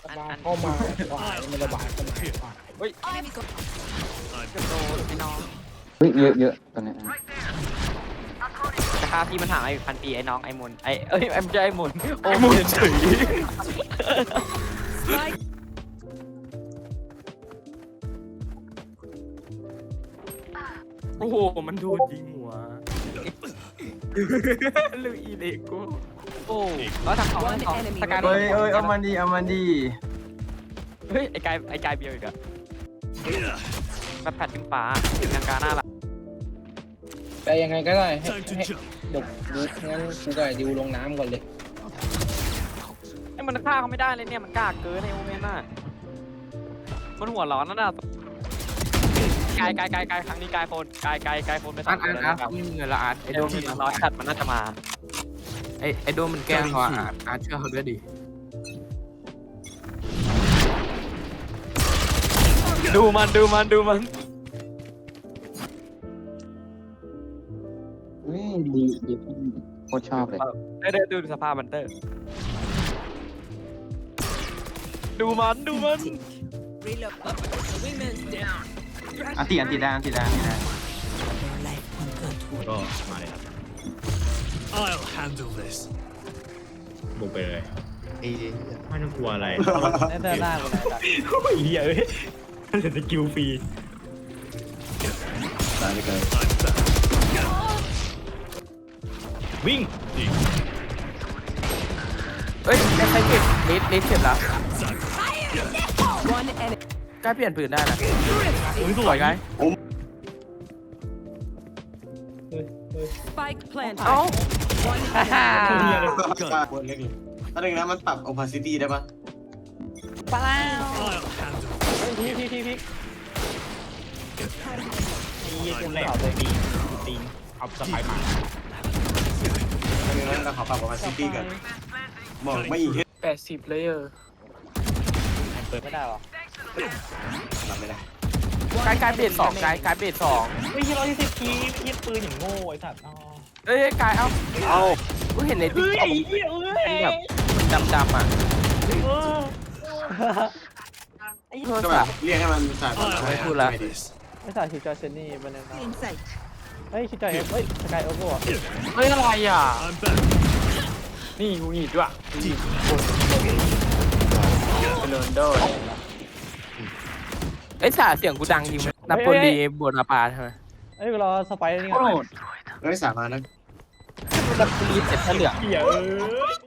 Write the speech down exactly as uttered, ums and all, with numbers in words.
ระบาเข้ามาขวายมันระบาดเข้ามาขวายเฮ้ยจะโดนไอ้น้องเฮ้ยเยอะเยอะตอนนี้จะฆ่าพี่มันห่างไอ้พันปีไอ้น้องไอ้มนไอ้เอ้ยไอ้ไม่ใช่ไอ้มนโอ้ไอ้มุนเฉยโอ้โหมันโดนยิงหัวลูอีเล็กกูโอ้แล้วทางเขาทางเขาสกายเอ้ยเอ้ยเอามันดีเอามันดีเฮ้ยไอ้กายไอ้กายเบียวอีกอะแบบแผ่นดึงฟ้าดึงกลางหน้าละแต่ยังไงก็ได้ให้ให้เดี๋ยวดูงั้นกูกับดิวลงน้ำก่อนเลยไอ้มันฆ่าเขาไม่ได้เลยเนี่ยมันกล้าเกินในโอเมนน่ะมันหัวร้อนนั่นน่ะกายกายกายกายครั้งนี้กายโฟนกายกายกายโฟนไปอาสาร์มตคอาร์นตแล้วอาร์ตไม่มีเงินละอาร์ตไอไอ้โดโดมมมันร้อยชัดมันน่าจะมาไอไอโดมมันแกล้งเขาอาร์ตอาร์ตเชื่อเขาด้วยดิดูมันดูมันดูมันเฮ้ยดีดีโคตรชอบเลยเดี๋ยวดูสภาพมันเตอร์ดูมันดูมันอันตีอันตีได้อันตีได้อันตีได้ก็มาเลยครับ I'll handle this บุกไปเลยไอ้ไม่ต้องกลัวอะไรเตอร์หน้ากูเลยโอ้ยเหี้ยเอ้ยมันจะสกิลฟรีตายไปเลยวิ่งเฮ้ยได้ใครเก็บเลสเลสเก็บแล้วกล้าเปลี่ยนปืนได้นะอุ้ยสสววย ยไง Spike planted. เอ้าฮ่าฮ่าเหี้ยเลยบนเล็กเลยถ้าอย่างนั้นมันปรับ opacity ได้ปะปลา I'll handle พี่พี่พี่พี่นี่ตัวแรกเลยดีตีนเอาสไปมาถ้าอย่างนั้นเราขอปรับ opacity กันมองไม่เห็นแปดสิบเลยเออเปิดไม่ได้หรอปรับไม่ได้กายกายเบรดสองกายกายเบรดสองไม่ใช่ร้อยยี่สิบคียิงปืนอย่างโง่ไอ้สัตว์เอ้ยกายเอ้าเอากูเห็นในติ๊กเฮ้ยต็อกเฮ้ยแบบดำดำๆอ่ะโทรก็แบศับพท์เรียกให้มันสายพันธุ์ไม่พูดละไม่ใส่คิวจอยเซนนี่มันเลย Inside. เฮ้ยคิวจอยเฮ้ยสกายโอเวอร์เฮ้ยอะไรอ่ะ I'm back นี่กูหนีด้วยเป็นโรนโดไอ้สาเสียงกูดังจริงไหมนาโปลีบวนาปาใช่ไหมเฮ้ยรอสไปนี่ไงเฮ้ยสามารถนะนาโปลีเสร็จถ้าเหลืองเหี้ยเอ้ย